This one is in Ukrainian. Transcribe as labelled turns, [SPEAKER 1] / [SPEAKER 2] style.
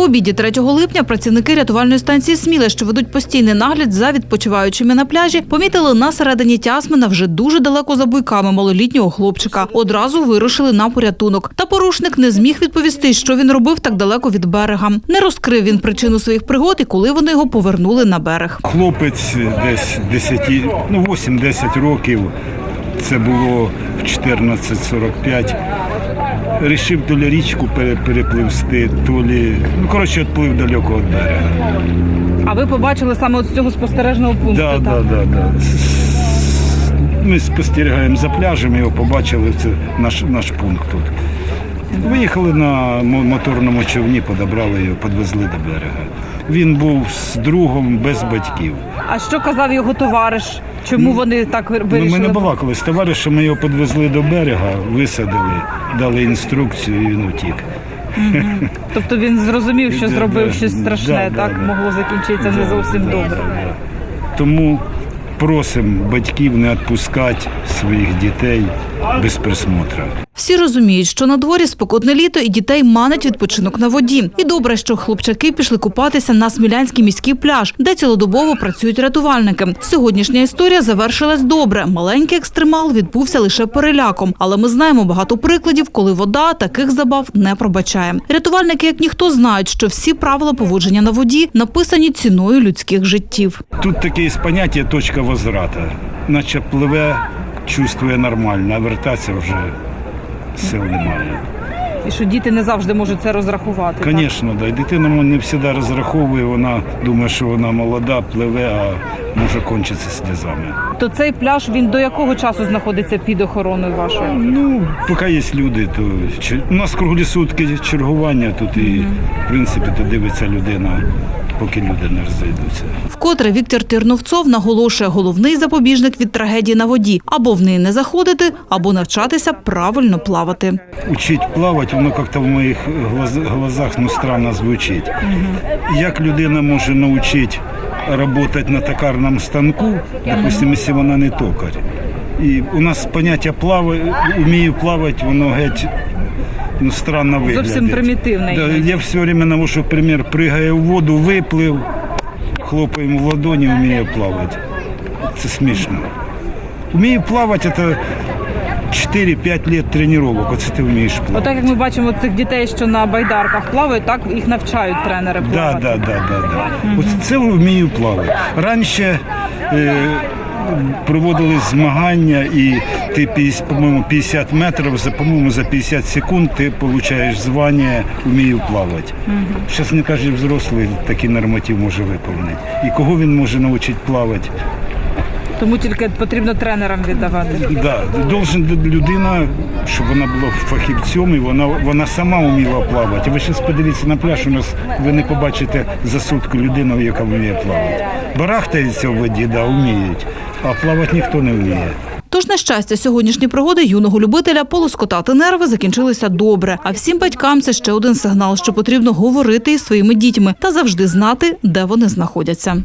[SPEAKER 1] обіді 3 липня працівники рятувальної станції «Сміле», що ведуть постійний нагляд за відпочиваючими на пляжі, помітили на середині Тясмина вже дуже далеко за буйками малолітнього хлопчика. Одразу вирушили на порятунок. Та порушник не зміг відповісти, що він робив так далеко від берега. Не розкрив він причину своїх пригод і коли вони його повернули на берег.
[SPEAKER 2] Хлопець десь 8-10 років, це було в 14:45. Рішив то ли річку перепливсти, то ли... відплив далеко від берега.
[SPEAKER 1] А ви побачили саме з цього спостережного пункту?
[SPEAKER 2] Так. Ми спостерігаємо за пляжем, його побачили, це наш пункт тут. Виїхали на моторному човні, подобрали його, підвезли до берега. Він був з другом, без батьків.
[SPEAKER 1] А що казав його товариш? Чому вони так вирішили?
[SPEAKER 2] Ми не балакали з товаришем, ми його підвезли до берега, висадили, дали інструкцію і він утік.
[SPEAKER 1] Тобто він зрозумів, що зробив щось страшне, могло закінчитися не зовсім добре.
[SPEAKER 2] Тому просимо батьків не відпускати своїх дітей без присмотру.
[SPEAKER 1] Всі розуміють, що на дворі спекотне літо і дітей манить відпочинок на воді. І добре, що хлопчаки пішли купатися на Смілянський міський пляж, де цілодобово працюють рятувальники. Сьогоднішня історія завершилась добре. Маленький екстремал відбувся лише переляком. Але ми знаємо багато прикладів, коли вода таких забав не пробачає. Рятувальники, як ніхто, знають, що всі правила поводження на воді написані ціною людських життів.
[SPEAKER 2] Тут таке поняття «точка возврату». Наче пливе, чувствує нормально, а вертатися вже сил немає.
[SPEAKER 1] І що діти не завжди можуть це розрахувати.
[SPEAKER 2] Звісно, да. Дитина не завжди розраховує, вона думає, що вона молода, пливе, а може кончитися сльозами.
[SPEAKER 1] То цей пляж, він до якого часу знаходиться під охороною вашою?
[SPEAKER 2] Поки є люди, то у нас круглі сутки чергування тут і, в принципі, то дивиться людина, поки люди не розійдуться.
[SPEAKER 1] Вкотре Віктор Тірновцов наголошує, головний запобіжник від трагедії на воді – або в неї не заходити, або навчатися правильно плавати.
[SPEAKER 2] Учить плавати, воно як-то в моїх глазах странно звучить. Як людина може навчити працювати на токарному станку, допустимо, якщо вона не токар. І у нас поняття «вмію плавати», воно геть странно виглядає.
[SPEAKER 1] Зовсім примітивне.
[SPEAKER 2] Да, я все время навожу примір, пригає в воду, виплив, хлопаємо в ладоні, вміє плавати. Це смішно. Вмію плавати – це 4-5 років тренувань, оце ти вмієш плавати.
[SPEAKER 1] Отак, як ми бачимо цих дітей, що на байдарках плавають, так їх навчають тренери плавати.
[SPEAKER 2] Так. Оце це вмію плавати. Раніше проводили змагання, і ти, по-моєму, 50 метрів, по-моєму, за 50 секунд ти отримуєш звання «вмію плавати». Зараз не кожен взрослий такий норматив може виконати. І кого він може навчити плавати?
[SPEAKER 1] Тому тільки потрібно тренерам віддавати.
[SPEAKER 2] Так, людина, щоб вона була фахівцем, і вона сама вміла плавати. Ви зараз подивіться на пляж, у нас ви не побачите за сутку людину, яка вміє плавати. Барахтаються в воді, вміють, а плавати ніхто не вміє.
[SPEAKER 1] Тож, на щастя, сьогоднішні пригоди юного любителя полоскотати нерви закінчилися добре. А всім батькам це ще один сигнал, що потрібно говорити із своїми дітьми та завжди знати, де вони знаходяться.